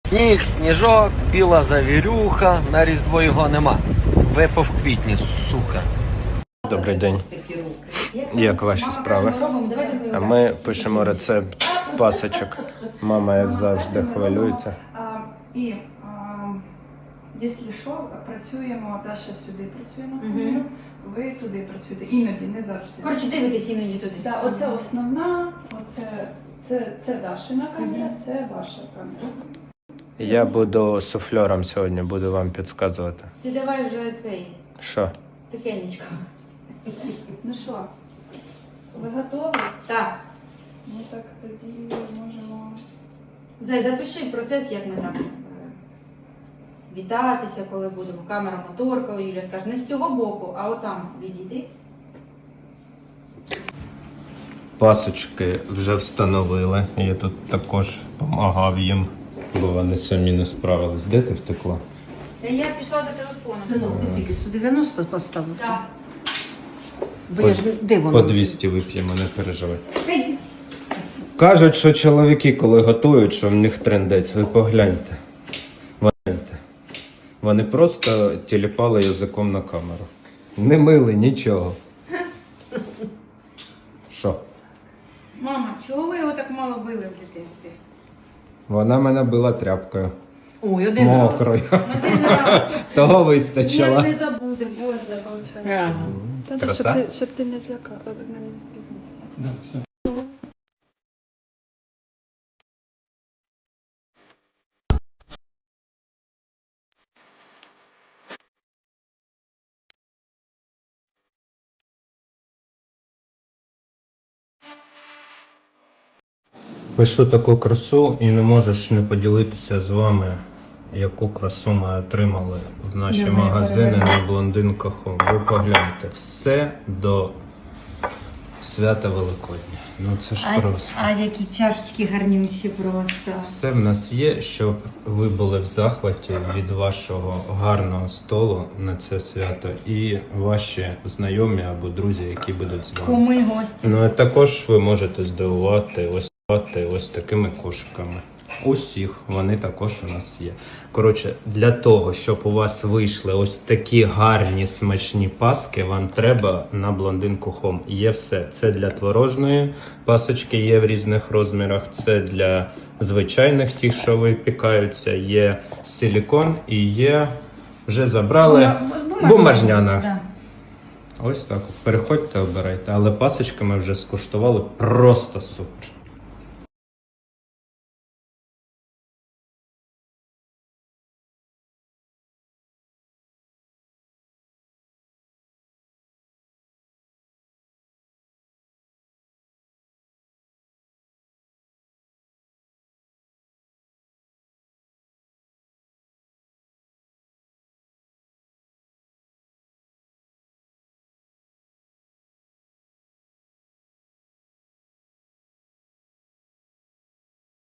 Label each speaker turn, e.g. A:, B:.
A: Сніг, сніжок, біла завірюха, на Різдво його нема. Випав в квітні, сука. Добрий день. Як ваші справи? А ми пишемо рецепт пасочок. Мама, як завжди, хвилюється.
B: Якщо що, працюємо, Даша сюди працює на камеру, ви туди працюєте. Іноді, не завжди.
C: Коротше, дивитесь іноді туди.
B: Так, оце основна, це Дашина камера, це ваша камера.
A: Я буду суфлером сьогодні, буду вам підказувати.
C: Ти давай вже цей,
A: Що?
C: тихенечко.
B: Ну що, ви готові?
C: Так.
B: Ну так тоді можемо...
C: Зай, запиши процес, як ми там вітатися, коли будемо. Камера, мотор, коли Юля скаже. Не з цього боку, а отам відійди.
A: Пасочки вже встановили. Я тут також допомагав їм, бо вони самі не справились. Де ти втекла?
C: Я пішла за телефоном.
D: Синок, ти скільки? 190 поставив?
C: Так.
D: Бо я ж де воно?
A: По 200 вип'ємо, не переживай. Кажуть, що чоловіки, коли готують, що в них трендець. Ви погляньте. Вони просто тіліпали язиком на камеру. Не мили нічого. Що?
C: Мама, чого ви його так мало били в дитинстві?
A: Вона мене била тряпкою.
D: Ой, один раз.
A: Мокрою.
C: Один раз.
A: Того
C: Як
A: вистачило.
C: не забуде, Боже.
D: Ага.
A: Краса?
E: Щоб ти не злякав, не збігав.
A: Пишу таку красу і не можеш не поділитися з вами, яку красу ми отримали в наші магазини на Блондинка.com. Ви погляньте, все до свята Великодня. Ну це ж просто.
C: А які чашечки гарнющі просто.
A: Все в нас є, щоб ви були в захваті від вашого гарного столу на це свято і ваші знайомі або друзі, які будуть з вами.
C: Куми, гості.
A: Ну а також ви можете здивувати ось такими кошиками. Усіх, вони також у нас є. Коротше, для того, щоб у вас вийшли ось такі гарні смачні паски, вам треба на Блондинку.com. Є все. Це для творожної пасочки, є в різних розмірах. Це для звичайних тих, що випікаються. Є силікон і є, вже забрали, бумажняна.
C: Да.
A: Ось так. Переходьте, обирайте. Але пасочки ми вже скуштували просто супер.